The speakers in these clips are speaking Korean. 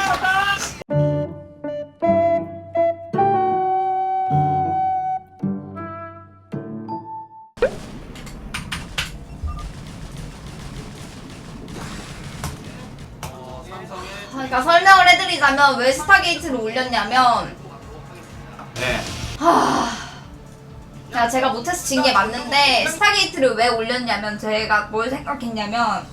그러니까 설명을 해드리자면 왜 스타게이트를 올렸냐면 네. 제가 못해서 진 게 맞는데 스타게이트를 왜 올렸냐면 제가 뭘 생각했냐면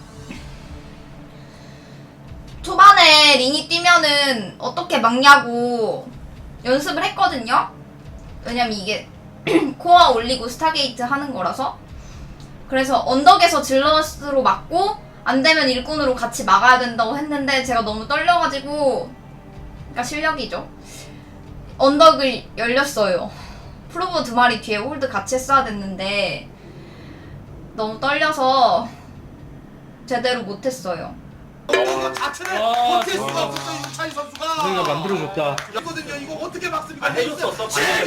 초반에 린이 뛰면은 어떻게 막냐고 연습을 했거든요. 왜냐면 이게 코어 올리고 스타게이트 하는 거라서. 그래서 언덕에서 질럿으로 막고 안되면 일꾼으로 같이 막아야 된다고 했는데 제가 너무 떨려가지고, 그러니까 실력이죠, 언덕을 열렸어요. 프로브 2마리 뒤에 홀드 같이 했어야 됐는데 너무 떨려서 제대로 못했어요. 자체를 버틸 수가 없었어 윤찬희 선수가. 우리가 만들어줬다. 이거든요. 이거 어떻게 막습니까? 해줬었어.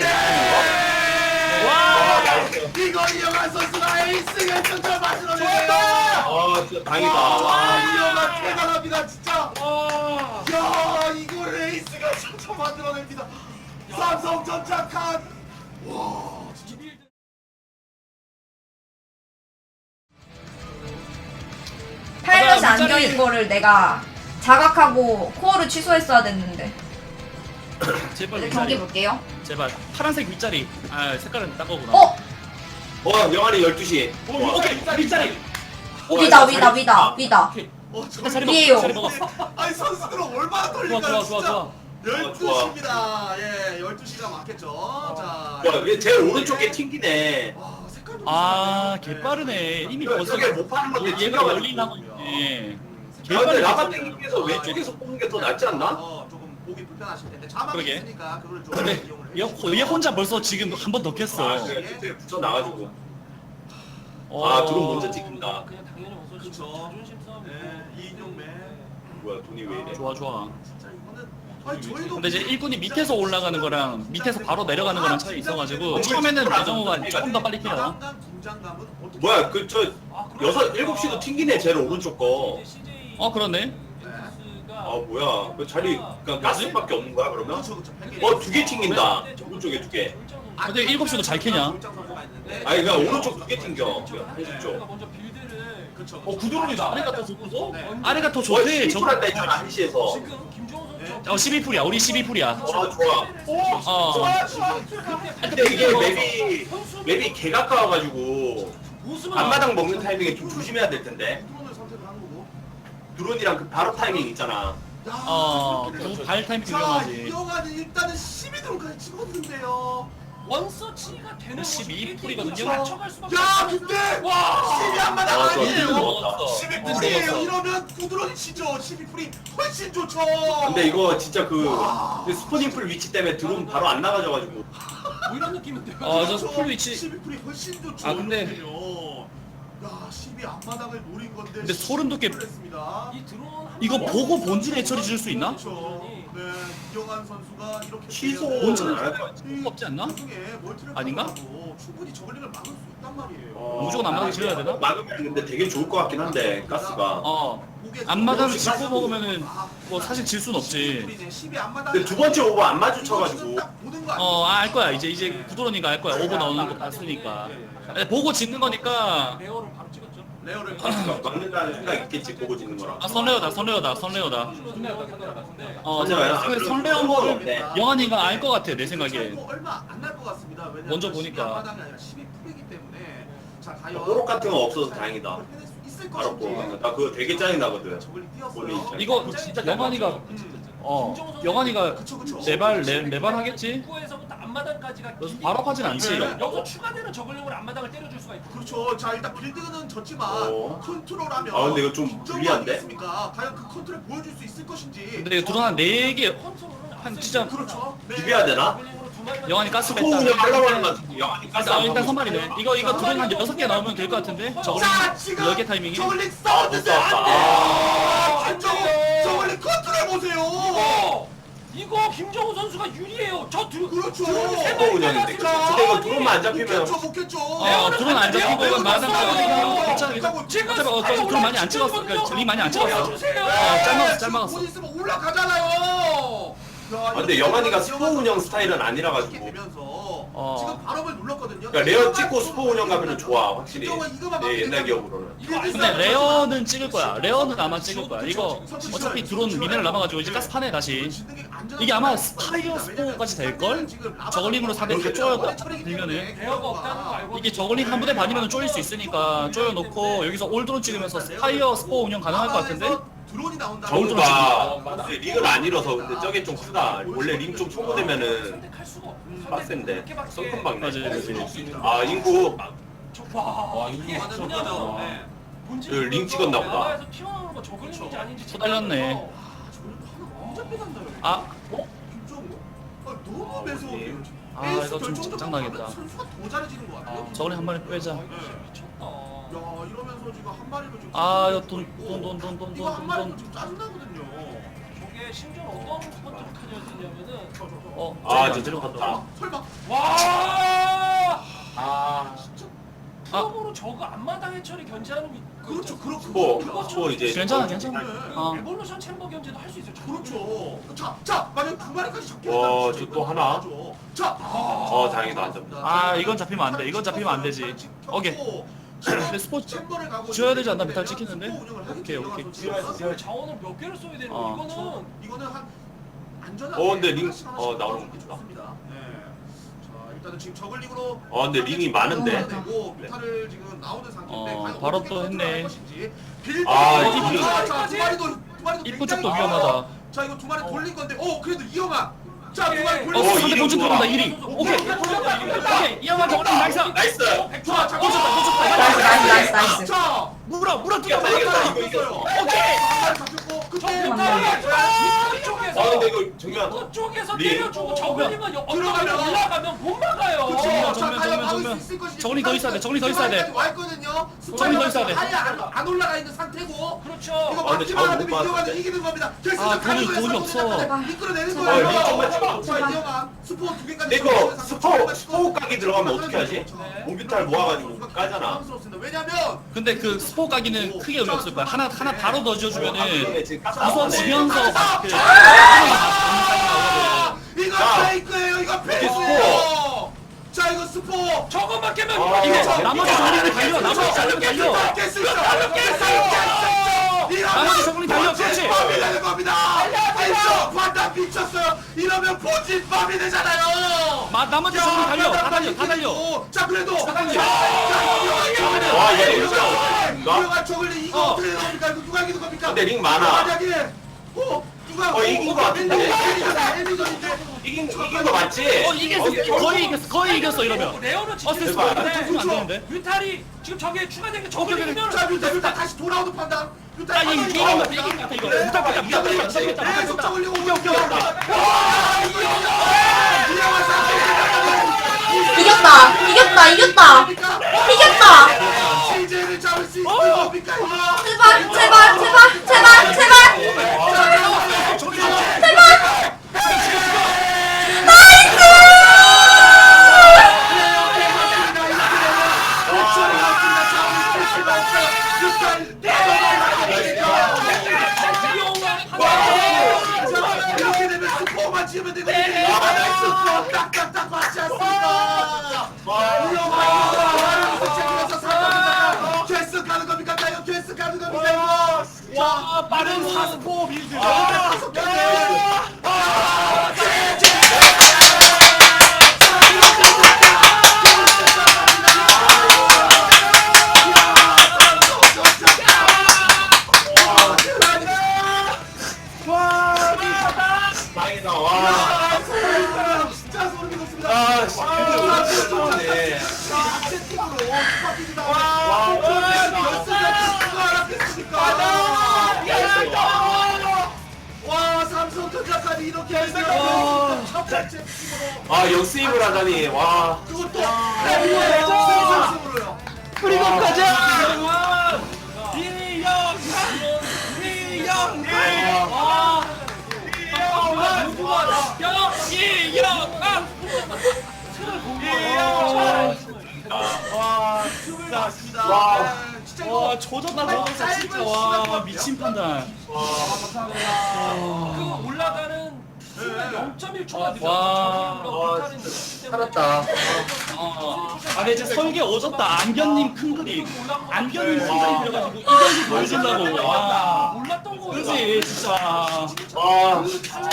와! 이거 이영환 선수가 에이스 결승전 만들어내네요. 진짜 다행이다. 와, 이영환 대단합니다 진짜. 야, 이걸 에이스 결승전 만들어냅니다. 삼성전자 칸. 와, 진짜. 파일럿이 안 껴인 거를 내가 자각하고 코어를 취소했어야 됐는데. 제발 이제 경기 윗자리. 볼게요. 제발 파란색 윗자리. 아 색깔은 딴 거구나. 영환이 12시. 오케이 윗자리. 위다. 자리 위에요. 먹. 자리 먹었어. 아니 선수들은 얼마나 떨릴까요 좋아. 12시입니다. 예, 12시가 맞겠죠. 자. 얘 제일 오른쪽 게 튕기네. 와, 색깔도 아 좋습니다. 개빠르네. 이미 그래, 벌써 저게 못 파는 건데 얘가 튕겨가지고. 열리려고 있네. 근데 라바 땡기면서 왼쪽에서 뽑는 게 더 낫지 않나? 조금 보기 불편하실 텐데 자막이 그러게. 있으니까 그걸 좀 근데 이용을 얘 혼자 벌써 지금 한 번 넣겠어. 그래, 뒤에 붙여 나가지고. 어. 드론 먼저 찍힌다. 그렇죠. 네, 이인용맨. 뭐야, 돈이 왜 이래? 좋아. 진짜 이거는 아니 저희도 근데 이제 일꾼이 밑에서 올라가는 거랑 밑에서 바로 내려가는 거랑 차이 있어가지고 처음에는 배정호가 조금 더 빨리 뛰어. 긴장감은 어떻게 뭐야, 7시도 튕기네, 제일 오른쪽 거. 그러네. 뭐야. 그 자리, 그냥 가스밖에 없는 거야, 그러면? 그렇죠. 2개 튕긴다. 오른쪽에 2개. 근데 7시도 잘 캐냐? 아니, 그냥 오른쪽 2개 튕겨. 한식 쪽. 그렇죠. 구드론이다. 아래가 더 좋고? 아래가 더 좋아, 좋대. 12풀 한다 했잖아, 한시에서. 12풀이야. 우리 12풀이야. 좋아. 근데 이게 맵이 개 가까워가지고 앞마당 먹는 타이밍에 좀 조심해야 될 텐데. 드론을 선택을 한 거고. 드론이랑 그 바로 타이밍 있잖아. 발 타이밍 자, 위험하지. 이영환이 일단은 12드론까지 찍었는데요. 원서치가 되는 12풀이거든요. 야, 근데 12 한마당 좋아, 아니에요. 먹었다. 12풀이에요. 이러면 구드론이 치죠. 12풀이 훨씬 좋죠. 근데 이거 진짜 그 스포닝풀 위치 때문에 드론 바로 안 나가져가지고. 뭐 이런 느낌인데요. 저 풀 위치. 12풀이 훨씬 좋죠. 아, 근데- 야, 12 앞마당을 노린 건데. 근데 소름 돋게 했습니다. 이 드론 한 이거 번 보고 본진에 처리 줄 수 있나? 그렇죠. 네, 이영환 선수가 이렇게 취소 되면 본진은 안 할 거야. 없지 않나? 나중에 멀티를 아닌가? 가져가도 충분히 저글링을 막을 수 있단 말이에요. 무조건 앞마당 지어야 되나? 막으면 근데 되게 좋을 것 같긴 한데 가스가. 앞마당을 짚고 먹으면은 뭐 사실 질 순 없지. 근데 두 번째 오버 안 마주쳐가지고. 알 거야. 이제 구드론이가 알 거야. 오버 나오는 거 봤으니까. 보고 짓는 거니까. 레어를 바로 찍었죠. 레어를 막는다는 생각 있겠지, 보고 짓는 거라. 선레어다. 손내어다. 선레어인 거를 영환이가 알 것 같아, 내 생각에. 얼마 안 날 것 같습니다. 왜냐면 먼저 보니까. 앞마당이 아니라 12풀이기 때문에 자, 과연 호록 같은 거 없어서 다행이다. 있을 알았고. 것인지. 나 그거 되게 짜증 나거든. 저글링 뛰었어요. 본인 입장에서. 이거 영환이가 영환이가 그쵸. 네발 하겠지? 입구에서부터 앞마당까지가 그래서 바로 하진 않지. 여기서 추가되는 저글링으로 앞마당을 때려줄 수가 있고. 그렇죠. 자, 일단 빌드는 졌지만 컨트롤하면 근데 이거 좀 득점이 불리한데? 아니겠습니까? 과연 그 컨트롤 보여줄 수 있을 것인지. 근데 드론 한 4개 컨트롤은 한 진짜 그렇죠. 네. 비벼야 되나? 저글링으로 두 마리만 영환이 가스 스포 뺐다. 운영 하려고 하는 거 같은데 영환이 가스 안 일단 하고 선발이네. 이거 드론 한 6개 나오면 될 것 같은데? 저글링 자, 지금 10개 타이밍이. 저글링 싸웠는데 못 안 싸웠다. 돼. 안정호 저글링 컨트롤 보세요. 이거 김정우 선수가 유리해요. 그렇죠. 스포 운영인데. 근데 이거 드론만 안 잡히면 못 겠죠. 드론 안 잡히고 이건 마당 잡았어요. 괜찮아 괜찮아. 어차피 드론 많이 안 찍었어. 그러니까 링 많이 안 찍었어. 보여주세요. 잘 막았어. 곧 있으면 올라가잖아요. 근데 영환이가 스포 운영 스타일은 아니라 가지고. 지금 발업을 눌렀거든요. 그러니까 레어 찍고 스포 운영 가면은 좋아 확실히. 내 옛날 기억으로는. 근데 레어는 찍을 거야. 레어는 아마 찍을 거야. 이거 어차피 드론 미네랄 남아가지고 이제 가스 파네 다시. 이게 아마 스파이어 스포까지 될걸? 저글링으로 상대 다 쪼여들면은 대여가 없다는 거 알고. 이게 저글링 한 부대 반이면 쪼일 수 있으니까 쪼여놓고 여기서 올드론 찍으면서 스파이어 스포 운영 가능할 것 같은데? 드론이 나온다. 정우가 링을 안 잃어서 근데 저게 좀 크다. 원래 링 좀 소모되면은 선택할 수가 없어. 빡센데. 썬큰 박네. 맞아요. 아 인구. 와 이게 이거 완전 그냥 맞아. 네. 본진 그 링 찍었나 보다. 나라에서 튀어나오는 거 저글링인지 아닌지 쏟아졌네. 완전 빼간다요. 아, 김정우. 너무 매서워요. 아, 이거 좀 장난하겠다. 선수가 더 잘해지는 것 같아요. 저글링 한 마리 빼자. 미쳤다. 야 이러면서 지금 한 마리도 지금 아, 이거 이거 한 마리도 돈. 지금 짜증나거든요. 저게 심지어 어떤 스포츠로 켜져있냐면은 아 진짜 갔다. 설마 와 아. 프로모로 저거 앞마당 해처리 견제하는 그렇죠. 스포 이제. 괜찮아. 어. 에볼루션 챔버 견제도 할 수 있어요. 그렇죠. 자 만약 두 마리까지 잡히면 와, 저또 하나? 자. 다행이다 안 잡힌다. 아, 이건 잡히면 안 돼. 이건 잡히면 안 되지. 오케이. 근데 스포 지어야 되지 않나? 메탈 찍히는데? 오케이. 자원을 몇 개를 써야 되는 어. 거 이거는 한 안전하게 근데 링 하나씩 나오는 거 하나씩 좋다. 좋습니다. 자 일단은 지금 저글링으로 근데 링이 많은데. 되고 뮤타를 지금 나오는 상태인데 과연 바로 어떻게 또 컨트롤할 했네. 것인지. 아, 빌드. 이 자, 두 마리도 입구 굉장히 쪽도 위험하다. 자 이거 두 마리 돌린 건데 그래도 이영아. 자 두 마리 돌린 어, 상대 이리 본진 좋아. 들어온다 1위. 오케이. 이영환 저글링 나이스. 나이스. 자 나이스. 자 물어 뛰어. 이겼어요. 오케이. 잡혔고 그때 근데 이거 정면. 그쪽에서 링. 때려주고 저글링은 들어가면 올라가면 못 막아요. 그쵸. 정면, 자, 정면, 과연 정면, 막을 정면. 수 있을 것인지. 저글링 더 있어야 돼, 저글링 더 있어야 돼. 와 있거든요. 저글링 더 있어야 돼. 아예 안 올라가 있는 상태고. 그렇죠. 이거 근데 막기만 잘 하면 못 이영아는 봤는데. 이기는 겁니다. 돈이 없어. 이끌어내는 제발. 거예요. 링 좀만 찍어. 자 이영아 스포 두 개까지. 이거 스포 각이 들어가면 어떻게 하지? 몬비탈 모아가지고 까잖아. 당황스럽습니다. 왜냐면 근데 그 스포 가기는 크게 의미 없을 거야. 하나 바로 넣어 지어주면은 지금 부서지면서 그 이거 자. 페이크예요. 이거 페이크예요. 자 이거 스포. 저것만 깨면 이거 나머지 저글링 달려. 나머지 저글링 달려. 깰 수 있어. 나머지 저글링 달려. 그렇지. 밤이 되는 겁니다. 진짜 판단 미쳤어요. 이러면 본진 밤이 되잖아요. 나머지 저글링 달려. 다 달려. 자 그래도 와, 얘 진짜. 이거 저글링 이거 어떻게 되는 겁니까? 이거 누가 이기는 겁니까? 근데 링 많아. 만약에 누가 이긴 거 같은데? 애니전인데 이긴 거 맞지? 이겼어. 거의 이겼어 이러면. 레오는 진짜 어스스 대박. 안 되는데. 뮤탈이 지금 저게 추가된 게 오케이. 저글링이면 자 뮤타 다시 돌아오는 판단. 뮤타 아, 이긴 것 같아 이거. 뮤타. 계속 저글링 오고 이겼다. CJ를 잡을 수 있는 겁니까 이거? 제발. 이렇게 되면 스포만 지으면 되고 나이스 딱딱딱 맞지 않습니까? 캐스 가는 겁니까? 이거 캐스 가는 겁니까? 와 빠른 사스포 빌드. 다행이다. 와. 진짜 소름이 돋습니다. 아, 씨. 좋네. 와 삼성전자까지 이렇게 해서 첫 번째 팀으로 아, 역수입을 하다니. 와. 그것도 승승승으로요. 그리고 가자. 누구가 와 진짜 와. 와 조졌다 진짜 와 미친 판단. 그 올라가는 순간 0.1초가 와. 살았다. 아 근데 진짜 설계 오졌다. 안견님 큰 그림. 안견님 큰 그림 그려가지고 이견이 보여준다고. 와 올랐던 거 그지 진짜. 와.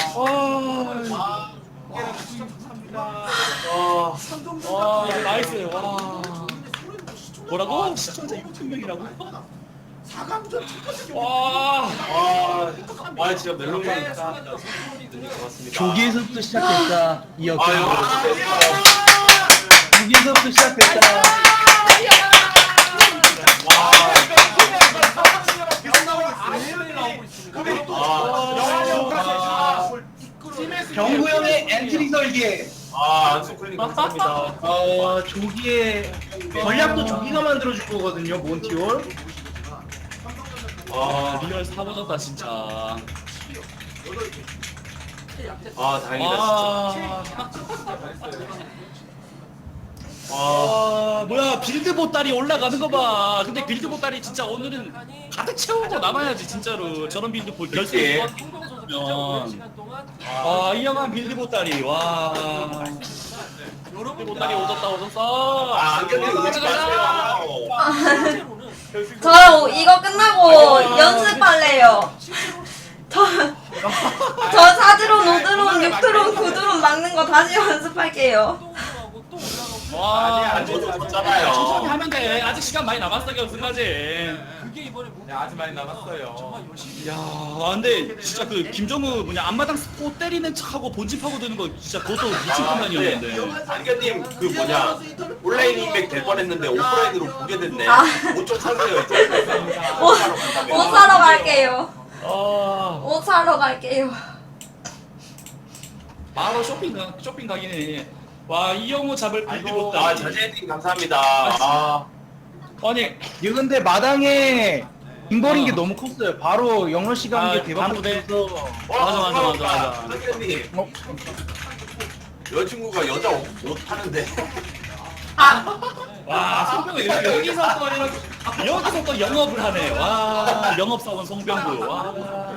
와 나이스. 와 뭐라고? 시청자 6,000명이라고? 4강전 첫 와. 와 진짜 멜론만 고맙습니다. 조기에서부터 시작됐다. 이 역경. 아유. 조기에서부터 시작됐다. 경구 형의 엔트리 설계. 안소클님 감사합니다. 조기에 전략도 조기가 만들어줄 거거든요. 몬티올. 리얼 사버졌다 진짜. 다행이다 진짜. 뭐야 빌드 보따리 올라가는 거 봐. 근데 빌드 보따리 진짜 오늘은 가득 채우고 남아야지 진짜로. 저런 빌드 볼 결승. 시간 동안 이영한 빌드 보따리. 와. 빌드 보따리 오졌다. 안경님 의지 마세요. 실제로는 저 이거 끝나고 연습할래요. 저 사드론, 5드론, 6드론, 9드론 막는 거 다시 연습할게요. 운동하고 또 올라가고 와. 안 졌잖아요. 천천히 하면 돼. 아직 시간 많이 남았어 결승까지. 그게 이번에 못 아직 많이 남았어요. 정말 열심히 야, 근데 진짜 그 김정우 뭐냐 앞마당 스포 때리는 척하고 본집하고 드는 거 진짜 그것도 미친 판단이었는데. 안경님 그 뭐냐 온라인 인맥 될 뻔했는데 오프라인으로 보게 됐네. 아. 옷 좀 사세요 이제. 옷 사러 갈게요. 아, 옷 사러 갈게요. 바로 쇼핑 가긴 해. 와, 이영호 잡을 빌드 아이고, 못다. 자제님 감사합니다. 아니, 이거 근데 마당에 빙버린 게 너무 컸어요. 바로 영러 씨가 한 게 대박 바로 돼. 났어서. 맞아. 안경님 어? 여자친구가 여자 옷 파는데. 와, 송병구 여기서 또 영업을 하네. 와, 영업사원 송병구. 와.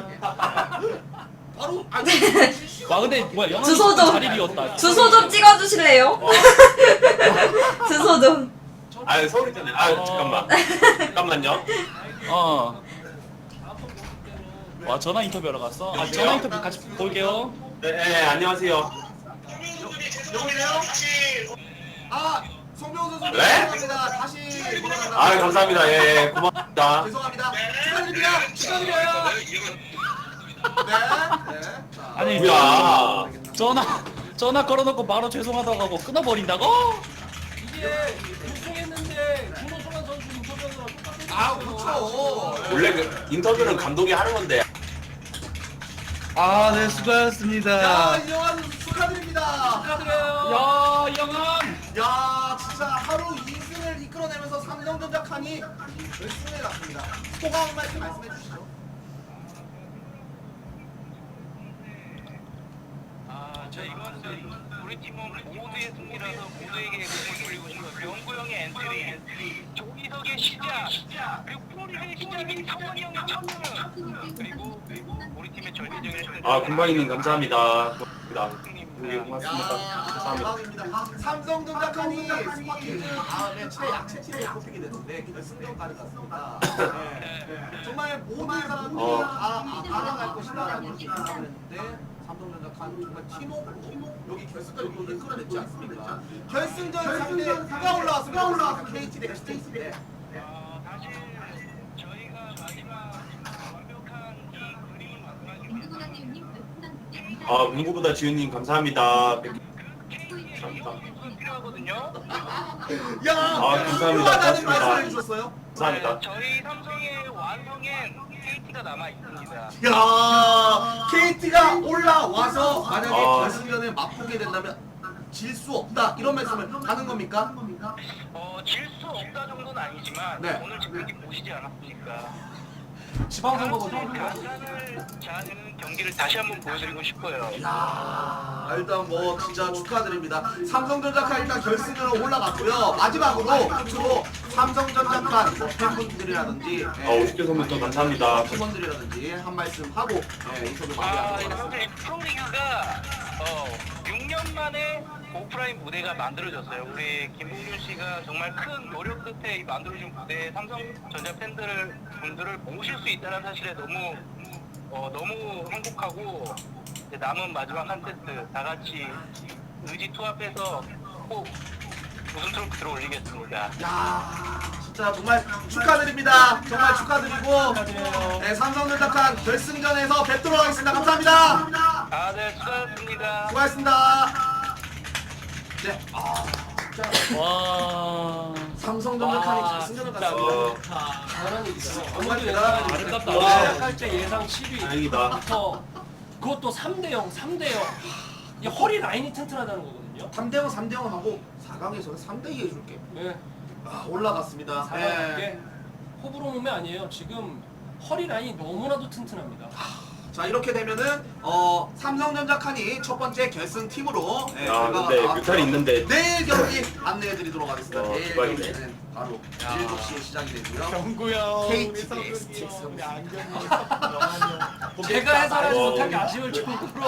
바로 와, 근데 뭐야, 영업이 주소 좀. 자리 비웠다. 주소 좀 찍어주실래요? 주소 좀. 서울이잖아요. 잠깐만요. 와, 전화 인터뷰하러 갔어? 전화 인터뷰 같이 볼게요. 네, 안녕하세요. 송병호 선수 네? 죄송합니다. 다시 돌아간다. 감사합니다. 예, 고맙습니다. 죄송합니다. 축하드립니다. 네. 아니, 뭐야? 전화 걸어놓고 바로 죄송하다고 하고 끊어버린다고? 이게 우승했는데 김호성환 선수 인터뷰하느라 똑같은 그렇죠. 원래 그 인터뷰는 감독이 하는 건데. 네, 수고하셨습니다. 이영환 선수 축하드립니다. 축하드려요. 야, 영환! 야, 진짜 하루 2승을 이끌어내면서 삼성전자 칸이 결승에 갔습니다. 소감 한 말씀 말씀해 주시죠. 이건 우리 팀은 모두의 승리라서 모두에게 공을 돌리고 싶고요. 영구 형의 엔트리, 조기석의 시작, 그리고 프로리그의 시작이 성원이 형의 첫승, 그리고 우리 팀의 절대적인 엔트리. 군방이님 감사합니다. 고맙습니다. 감사합니다. 대박입니다. 삼성전자 칸이 스파킹즈 다음에 최약체 팀에 뽑히게 됐는데 결승전까지 갔습니다. 네. 정말 모든 사람들이 다 알아갈 것이다라는 생각을 했는데 삼성전자 칸 정말 팀워크로 여기 결승까지 이끌어냈지 않습니까? 결승전 상대 누가 올라왔습니까? KT 대 KT인데 사실 저희가 마지막 완벽한 이 그림을 만들어주면서 문구보다 지훈님 감사합니다. KT가 필요하거든요. 야! 감사합니다. 훌륭하다는 고맙습니다. 말씀을 해주셨어요? 감사합니다. 저희 삼성의 완성엔 KT가 남아 있습니다. 야, KT가 올라와서 만약에 아. 결승전에 맛보게 된다면 질 수 없다 이런 말씀을 하는 겁니까? 질 수 없다 정도는 아니지만 네. 오늘 지금 경기 보시지 않았습니까? 지방선거가 좀 가산을 자는 경기를 다시 한번 보여드리고 싶어요. 야, 일단 뭐 진짜 축하드립니다. 삼성전자카 일단 결승으로 올라갔고요. 마지막으로 끝으로 삼성전자카 뭐 팬분들이라든지 오십개 선물도 감사합니다. 팀원들이라든지 한 말씀 하고 인터뷰 아, 마무리하도록 현재 하겠습니다. 프로리그가 6년 만에 오프라인 무대가 만들어졌어요. 우리 김봉준 씨가 정말 큰 노력 끝에 이 만들어진 무대에 삼성전자 분들을 모실 수 있다는 사실에 너무 행복하고 이제 남은 마지막 한 세트 다 같이 의지 투합해서 꼭 우승 트로피 들어올리겠습니다. 야, 진짜 정말 축하드립니다. 정말 축하드리고 네, 삼성전자카 결승전에서 뵙도록 하겠습니다. 감사합니다. 아, 네, 수고하셨습니다. 수고하셨습니다. 네, 와. 삼성전자카이 결승전을 갔습니다. 잘하는 얘기죠. 정말 아무도 대단하다. 아름답다. 와. 와. 시작할때 예상 7위. 다행이다. 그것도 3대0, 3대0. 이 허리 라인이 튼튼하다는 거거든요. 3대0, 3대0 하고 4강에서는 3대2 해줄게. 네. 올라갔습니다. 4강 갈게. 호불호 몸이 아니에요. 지금 허리 라인이 너무나도 튼튼합니다. 자, 이렇게 되면은 삼성전자 칸이 첫 번째 결승 팀으로 아, 근데 뮤탈이 있는데. 내일 경기 안내해드리도록 하겠습니다. 내일 대박이네. 경기는 바로 7시에 시작이 되고요. 경구형 KT 우리 STX 성근이 우리 안경이 영환이 제가 해설하지 어. 못한 게 아쉬울 정도로.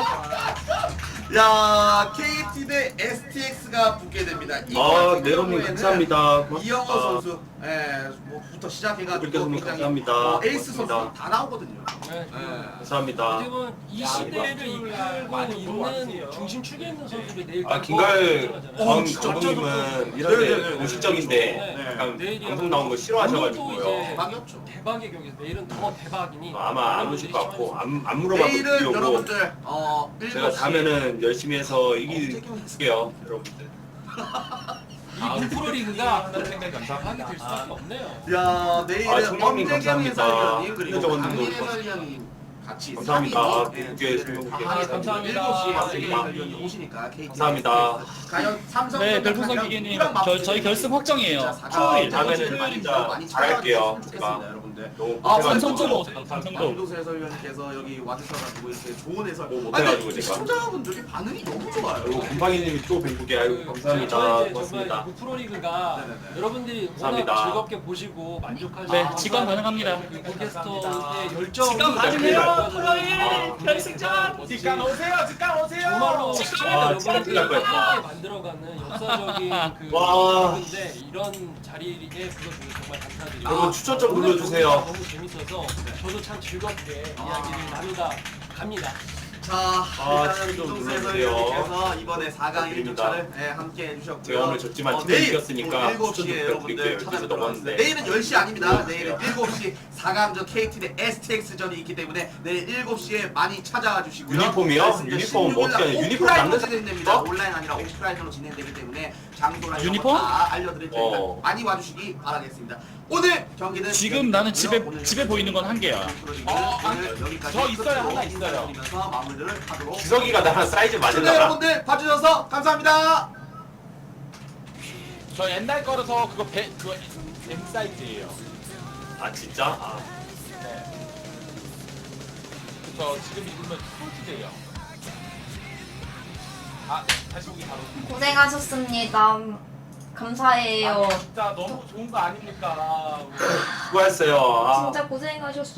야, KT 대 STX가 붙게 됩니다. 이 아, 같은 네로님 경우에는 감사합니다. 이영호 고맙습니다. 선수, 뭐부터 시작해가지고 그렇게 선물 굉장히 감사합니다. 에이스 선수 고맙습니다. 다 나오거든요. 네. 감사합니다. 지금은 이 시대를 이끌고 있는 중심 축에 있는 선수들이 내일 아, 김가을 전 진짜 감독님은 이런 네네네. 데 공식적인데 네. 약간 내일이 방송 나온 거 오늘도 싫어하셔가지고요. 이제 대박이었죠. 대박의 경기. 내일은 더 대박이니. 아마 안 오실 것 같고 안 물어봐도 내일은 드리려고 여러분들 제가 7시 가면은 열심히 해서 이길게요 여러분들. 이 프로리그가 생각 감사합니다. 대박이 될 수밖에 없네요. 야, 내일은 아, 정명님 엄재경 감사합니다. 해설위원님 그리고 현정원님도 강민 해설위원님 같이 감사합니다. 3인으로 국회 수명국회 감사합니다. 7시에 감사합니다. 해설위원님 오시니까 KT 감사합니다. 과연 삼성 네, 별풍선 기계님, 저희 결승 확정이에요. 토요일 다음에는 진짜 잘할게요. 제가 여러분들. 너무 삼성도 고생하셨고 오세요. 삼성도. 강민도 해설위원님께서 여기 와주셔가지고 이렇게 좋은 해설. 뭐 아니, 못해가지고 근데 제가. 시청자분들이 반응이 너무 좋아요. 그리고 곰팡이님이 또 뱅국에 아이고 감사합니다. 저희 이제 고맙습니다. 정말 이 프로리그가 네네네. 여러분들이 감사합니다. 워낙 즐겁게 보시고 만족하시고 네, 직관 가능합니다. 팟캐스터의 열정이 직관 가능해요. 프로일 결승전. 직관 오세요. 직관 오세요. 정말로 시청자 여러분들이 갈 거예요. 함께 만들어가는 역사적인 그 와. 프로인데 이런 자리에 불러주셔서 정말 감사드리고 여러분 추천 좀 오늘 눌러주세요. 경기가 너무 재밌어서 저도 참 즐겁게 이야기를 나누다 갑니다. 자, 일단은 추천 좀 김동수 눌러주세요. 해설위원님께서 이번에 4강 부탁드립니다. 1주차를 함께 해주셨고요. 제가 오늘 졌지만 팀이 내일 이겼으니까 또 추천 7시에 좀 여러분들 부탁드릴게요. 찾아뵙도록 여기서 하겠습니다. 넘었는데. 내일은 10시 아닙니다. 네. 내일은 7시 4강전 KT 대 STX전이 있기 때문에 내일 7시에 많이 찾아와 주시고요. 유니폼이요? 결승전 유니폼 16일 날 어떻게 하냐? 유니폼 오프라인으로 남는 진행됩니다. 거? 온라인 아니라 오프라인으로 진행되기 때문에 장소나 이런 유니폼? 거다 알려드릴 테니까 어. 많이 와주시기 바라겠습니다. 오늘 경기는 지금 나는 여기까지고요. 오늘 집에 보이는 건 한 개야. 오늘 여기까지 저 있어요. 끝으로 하나 있어요. 인사드리면서 마무리를 하도록 기석이가 나랑 사이즈 시청자 맞을라나? 여러분들 봐주셔서 감사합니다. 저 옛날 거라서 그거 그거 M 사이즈예요. 아 진짜? 아, 저 지금 입으면 스포츠돼요. 아 다시 보기 바로. 고생하셨습니다. 감사해요. 아, 진짜 너무 좋은 거 아닙니까? 수고했어요. 아, 진짜 고생하셨어.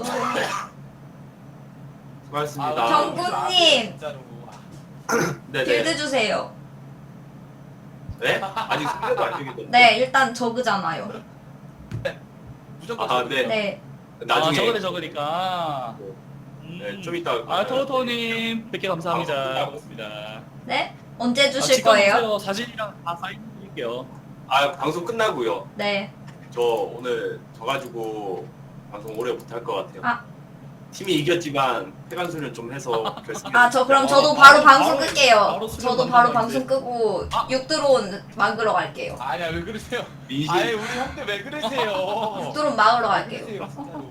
수고했습니다. 경구님. 진짜로. 네네. 빌드 주세요. 네? 아직 승대도 안 되겠던데. 네, 일단 저그잖아요. 무조건 아, 네. 네. 나중에. 아, 저거니까. 네, 좀 이따. 아, 토토님 100개 감사합니다. 고맙습니다. 네? 언제 아, 주실 직관 거예요? 오세요. 사진이랑 다 사인 드릴게요. 아, 방송 끝나고요. 네. 저 오늘 져가지고 방송 오래 못 할 것 같아요. 아. 팀이 이겼지만 회관수련 좀 해서 결승. 아, 저 그럼 저도 아, 바로 바로- 방송 바로 끌게요. 수련 저도 바로 받는다, 방송 이제. 끄고 아. 6드론 막으러 갈게요. 아니야 왜 그러세요? 민심. 아예 우리 형들 왜 그러세요? 6드론 막으러 갈게요. 왜 그러세요, 진짜로.